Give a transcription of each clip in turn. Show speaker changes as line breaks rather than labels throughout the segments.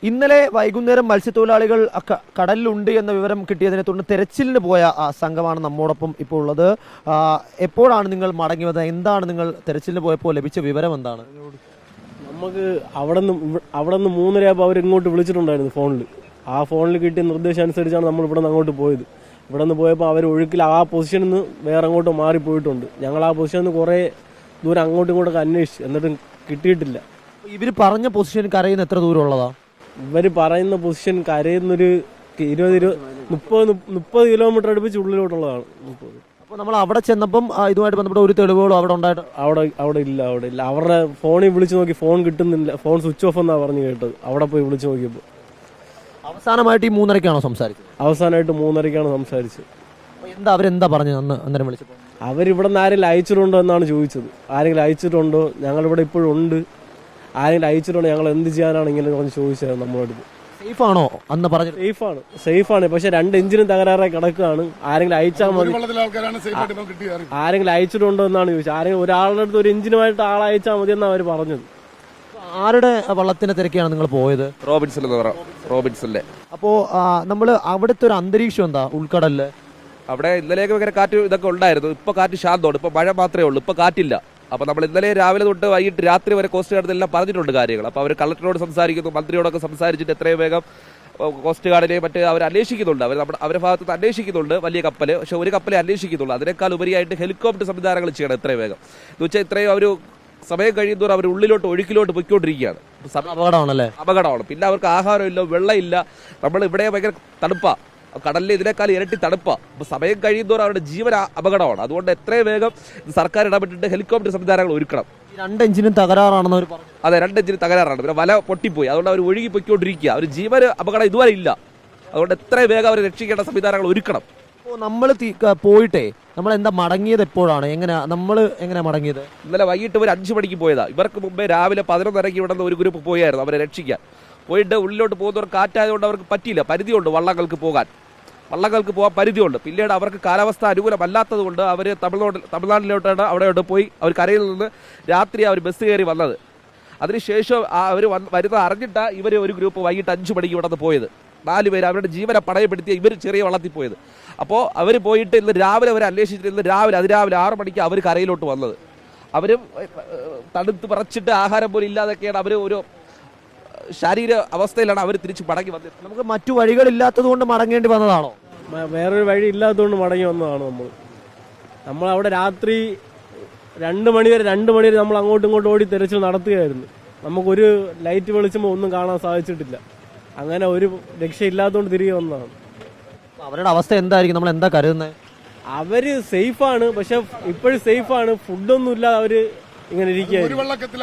ഇന്നലെ വൈകുന്നേരം മത്സ്യത്തൊഴിലാളികൾ കടലിലുണ്ട് എന്ന വിവരം കിട്ടിയതിനെ തുടർന്ന് തെരച്ചിലിന് പോയ സംഘമാണ് നമ്മോടൊപ്പം ഇപ്പോൾ ഉള്ളത്. എപ്പോഴാണ് നിങ്ങൾ മടങ്ങി വന്നത്? എന്താണ് നിങ്ങൾ തെരച്ചിലിന് പോയപ്പോൾ ലഭിച്ച വിവരം എന്താണ്?
നമുക്ക് അവിടെ നിന്ന് 3:30 അവർ ഇങ്ങോട്ട് വിളിച്ചിട്ടുണ്ടായിരുന്നു ഫോണിൽ. ആ ഫോണിൽ കിട്ടിയ നിർദ്ദേശം അനുസരിച്ചാണ് നമ്മൾ ഇവിടെ നിന്ന് അങ്ങോട്ട് പോയത്. ഇവിടെ നിന്ന് പോയപ്പോൾ അവർ ഒഴുക്കിൽ ആ പൊസിഷനിൽ നിന്ന് വേറെ അങ്ങോട്ട് മാറിപ്പോയിട്ടുണ്ട്. ഞങ്ങൾ ആ പൊസിഷനിൽ നിന്ന് കുറേ ദൂരം അങ്ങോട്ടും ഇങ്ങോട്ടൊക്കെ അന്വേഷിച്ചു, എന്നിട്ടും കിട്ടിയിട്ടില്ല.
ഇവർ പറഞ്ഞ പൊസിഷൻ കരയുന്ന എത്ര ദൂരം ഉള്ളതാ?
ഇവർ പറയുന്ന പൊസിഷൻ കരയുന്നൊരു 20-30 കിലോമീറ്റർ അടുപ്പിച്ച് ഉള്ളിലോട്ടുള്ളതാണ്.
അപ്പോൾ നമ്മൾ അവിടെ ചെന്നപ്പം ഇതുമായിട്ട് ബന്ധപ്പെട്ട ഒരു തെളിവുകളോ അവിടെ ഉണ്ടായിട്ട്
അവിടെ ഇല്ല. അവരുടെ ഫോണിൽ വിളിച്ചു നോക്കി, ഫോൺ കിട്ടുന്നില്ല, ഫോൺ സ്വിച്ച് ഓഫ് എന്നാണ് പറഞ്ഞു കേട്ടത്. അവിടെ പോയി വിളിച്ചു നോക്കിയപ്പോൾ
അവസാനമായിട്ട് ഈ 3:30-ക്കാണോ സംസാരിച്ചത്?
അവസാനമായിട്ട് 3:30-ക്കാണ് സംസാരിച്ചത്.
അവരെന്താ പറഞ്ഞത് അന്നേരം വിളിച്ചപ്പോൾ?
അവരിവിടെ നിന്ന് ആരെങ്കിലും അയച്ചിട്ടുണ്ടോ എന്നാണ് ചോദിച്ചത്. ആരെങ്കിലും അയച്ചിട്ടുണ്ടോ, ഞങ്ങളിവിടെ ഇപ്പോഴും ഉണ്ട്, ആരെങ്കിലും അയച്ചിട്ടുണ്ടോ, ഞങ്ങൾ എന്ത് ചെയ്യാനാണ് ഇങ്ങനെ ചോദിച്ചത് നമ്മളോട്.
സേഫ് ആണോ അന്ന് പറഞ്ഞത്?
സേഫാണ്, പക്ഷെ 2 എഞ്ചിനും തകരാറായി കിടക്കുകയാണ്. ആരെങ്കിലും അയച്ചാൽ മതി. ആരെങ്കിലും അയച്ചിട്ടുണ്ടോ എന്നാണ് ചോദിച്ചത്. ആരെങ്കിലും ഒരാളുടെ അടുത്ത് 1 എഞ്ചിനുമായിട്ട് ആളെ അയച്ചാൽ മതി എന്നാണ് അവർ പറഞ്ഞത്.
ആരുടെ വള്ളത്തിന്റെ തിരക്കാണ് നിങ്ങൾ പോയത്?
റോബിൻസണിലെ.
അപ്പോ നമ്മൾ അവിടുത്തെ ഒരു അന്തരീക്ഷം എന്താ ഉൾക്കടലില്?
അവിടെ ഇന്നലെയൊക്കെ ഭയങ്കര കാറ്റ് ഇതൊക്കെ ഉണ്ടായിരുന്നു. ഇപ്പൊ കാറ്റ് ശാന്തമാണ്. ഇപ്പൊ മഴ മാത്രമേ ഉള്ളൂ, ഇപ്പൊ കാറ്റില്ല. അപ്പൊ നമ്മൾ ഇന്നലെ രാവിലെ തൊട്ട് വൈകിട്ട് രാത്രി വരെ കോസ്റ്റ് ഗാർഡിനെല്ലാം പറഞ്ഞിട്ടുണ്ട് കാര്യങ്ങൾ. അപ്പൊ അവർ കളക്ടറോട് സംസാരിക്കുന്നു, മന്ത്രിയോടൊക്കെ സംസാരിച്ചിട്ട് എത്രയും വേഗം കോസ്റ്റ് ഗാർഡിനെ മറ്റ് അവർ അന്വേഷിക്കുന്നുണ്ട്. അവരുടെ ഭാഗത്ത് അന്വേഷിക്കുന്നുണ്ട് വലിയ കപ്പല്. പക്ഷെ ഒരു കപ്പലെ അന്വേഷിക്കുന്നുള്ളൂ. അതിനേക്കാൾ ഉപരിയായിട്ട് ഹെലികോപ്റ്റർ സംവിധാനങ്ങൾ ചെയ്യണം എത്രയും വേഗം. എന്ന് വെച്ചാൽ ഇത്രയും അവർ സമയം കഴിയുന്നതോറും അവർ ഉള്ളിലോട്ട് ഒഴുക്കിലോട്ട് പൊയ്ക്കൊണ്ടിരിക്കുകയാണ്. അപകടമാണ്. പിന്നെ അവർക്ക് ആഹാരമില്ല, വെള്ളമില്ല. നമ്മൾ ഇവിടെ ഭയങ്കര തണുപ്പാ, കടലിൽ ഇതിനേക്കാൾ ഇരട്ടി തണുപ്പാ. അപ്പൊ സമയം കഴിയുന്നതോറും അവരുടെ ജീവൻ അപകടമാണ്. അതുകൊണ്ട് എത്രയും വേഗം സർക്കാർ ഇടപെട്ടിട്ട് ഹെലികോപ്റ്റർ സംവിധാനങ്ങൾ ഒരുക്കണം.
2 എഞ്ചിനും തകരാറാണെന്ന് അവർ പറഞ്ഞു.
അതെ, 2 എഞ്ചിനും തകരാറാണ്. പിന്നെ വല പൊട്ടിപ്പോയി, അതുകൊണ്ട് അവർ ഒഴുകി പൊയ്ക്കൊണ്ടിരിക്കുക. അവർ ജീവന് അപകടം ഇതുവരെ ഇല്ല. അതുകൊണ്ട് എത്രയും വേഗം അവരെ രക്ഷിക്കേണ്ട സംവിധാനങ്ങൾ ഒരുക്കണം.
അപ്പോൾ നമ്മൾ പോയിട്ടേ നമ്മൾ എന്താ മടങ്ങിയത്? എപ്പോഴാണ് നമ്മൾ എങ്ങനെയാ മടങ്ങിയത്?
ഇന്നലെ വൈകിട്ട് ഒരു 5 മണിക്ക് പോയതാ. ഇവർക്ക് മുമ്പേ രാവിലെ 11:30 ഇവിടെ നിന്ന് ഒരു ഗ്രൂപ്പ് പോയായിരുന്നു അവരെ രക്ഷിക്കാൻ. പോയിട്ട് ഉള്ളിലോട്ട് പോകുന്നവർ കാറ്റായതുകൊണ്ട് അവർക്ക് പറ്റിയില്ല. പരിധിയുണ്ട് വള്ളങ്ങൾക്ക് പോകാൻ പരിധിയുണ്ട്. പിന്നീട് അവർക്ക് കാലാവസ്ഥ അനുകൂലമല്ലാത്തത് കൊണ്ട് അവർ തമിഴ്നാട്ടിലോട്ടാണ് അവിടെയോട്ട് പോയി അവർ കരയിൽ നിന്ന് രാത്രി അവർ ബസ് കയറി വന്നത്. അതിനുശേഷം അവർ വരുന്നത് അറിഞ്ഞിട്ടാണ് ഇവർ ഒരു ഗ്രൂപ്പ് വൈകിട്ട് 5 മണിക്ക് ഇവിടെ നിന്ന് പോയത്. 4 പേര് അവരുടെ ജീവനെ പണയപ്പെടുത്തിയ ഇവർ ചെറിയ വള്ളത്തിൽ പോയത്. അപ്പോൾ അവർ പോയിട്ട് ഇന്ന് രാവിലെ അവർ അന്വേഷിച്ചിട്ട് ഇന്ന് അതിരാവിലെ 6 മണിക്ക് അവർ കരയിലോട്ട് വന്നത്. അവരും തണുത്ത് പറച്ചിട്ട് ആഹാരം പോലും ഇല്ലാതൊക്കെയാണ് അവർ ഒരു ശാരീരിക അവസ്ഥയിലാണ് അവർ തിരിച്ച് മടങ്ങി വന്നത്.
നമുക്ക് മറ്റു വഴികളില്ലാത്തത് കൊണ്ട് മടങ്ങേണ്ടി വന്നതാണോ?
വേറൊരു വഴി ഇല്ലാത്തതുകൊണ്ട് മടങ്ങി വന്നതാണ്. നമ്മൾ അവിടെ രാത്രി 2 മണി വരെ നമ്മൾ അങ്ങോട്ടും ഇങ്ങോട്ടും ഓടി തെരച്ചിൽ നടത്തുകയായിരുന്നു. നമുക്കൊരു ലൈറ്റ് വെളിച്ചമോ ഒന്നും കാണാൻ സാധിച്ചിട്ടില്ല. അങ്ങനെ ഒരു രക്ഷയില്ലാത്തതുകൊണ്ട് തിരികെ വന്നതാണ്.
അവരുടെ അവസ്ഥ എന്തായിരിക്കും? നമ്മൾ എന്താ കരുതുന്നത്?
അവര് സേഫാണ്, പക്ഷെ ഇപ്പോഴും സേഫാണ്. ഫുഡൊന്നും ഇല്ലാതെ അവര് ഇങ്ങനെ ഇരിക്കുകയായിരുന്നു.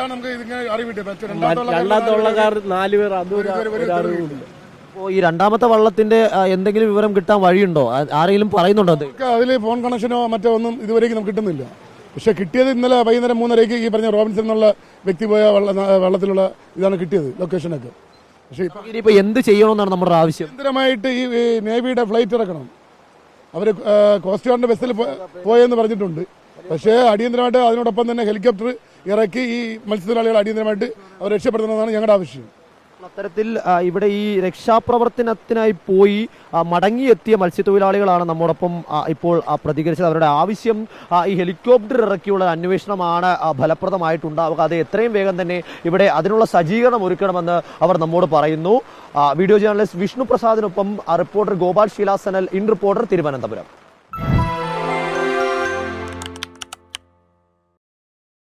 രണ്ടാമത്തെ വള്ളക്കാർ 4 പേർ, അതൊരു അറിവില്ല.
ഈ രണ്ടാമത്തെ വള്ളത്തിന്റെ എന്തെങ്കിലും വിവരം കിട്ടാൻ വഴിയുണ്ടോ? ആരെങ്കിലും പറയുന്നുണ്ടോ?
അതിൽ ഫോൺ കണക്ഷനോ മറ്റോ ഒന്നും ഇതുവരെയ്ക്ക് നമുക്ക് കിട്ടുന്നില്ല. പക്ഷെ കിട്ടിയത് ഇന്നലെ വൈകുന്നേരം 3:30-ക്ക് ഈ പറഞ്ഞ റോബിൻസൺ എന്നുള്ള വ്യക്തി പോയ വള്ളത്തിലുള്ള ഇതാണ് കിട്ടിയത്, ലൊക്കേഷനൊക്കെ. പക്ഷേ
ഇപ്പൊ എന്ത് ചെയ്യണമെന്നാണ് നമ്മുടെ ആവശ്യം?
നിരന്തരമായിട്ട് ഈ നേവിയുടെ ഫ്ലൈറ്റ് ഇറക്കണം. അവർ കോസ്റ്റ് ഗാർഡിന്റെ ബസ്സിൽ പോയെന്ന് പറഞ്ഞിട്ടുണ്ട്. പക്ഷേ അടിയന്തരമായിട്ട് അതിനോടൊപ്പം തന്നെ ഹെലികോപ്റ്റർ ഇറക്കി ഈ മത്സ്യത്തൊഴിലാളികൾ അടിയന്തരമായിട്ട് അവർ രക്ഷപ്പെടുത്തണമെന്നാണ് ഞങ്ങളുടെ ആവശ്യം.
അത്തരത്തിൽ ഇവിടെ ഈ രക്ഷാപ്രവർത്തനത്തിനായി പോയി മടങ്ങിയെത്തിയ മത്സ്യത്തൊഴിലാളികളാണ് നമ്മോടൊപ്പം ഇപ്പോൾ പ്രതികരിച്ചത്. അവരുടെ ആവശ്യം ഈ ഹെലികോപ്റ്റർ ഇറക്കിയുള്ള അന്വേഷണമാണ് ഫലപ്രദമായിട്ടുണ്ടാവുക. അത് എത്രയും വേഗം തന്നെ ഇവിടെ അതിനുള്ള സജ്ജീകരണം ഒരുക്കണമെന്ന് അവർ നമ്മോട് പറയുന്നു. വീഡിയോ ജേർണലിസ്റ്റ് വിഷ്ണു പ്രസാദിനൊപ്പം റിപ്പോർട്ടർ ഗോപാൽ ശീലാസനൽ, ഇൻ റിപ്പോർട്ടർ, തിരുവനന്തപുരം.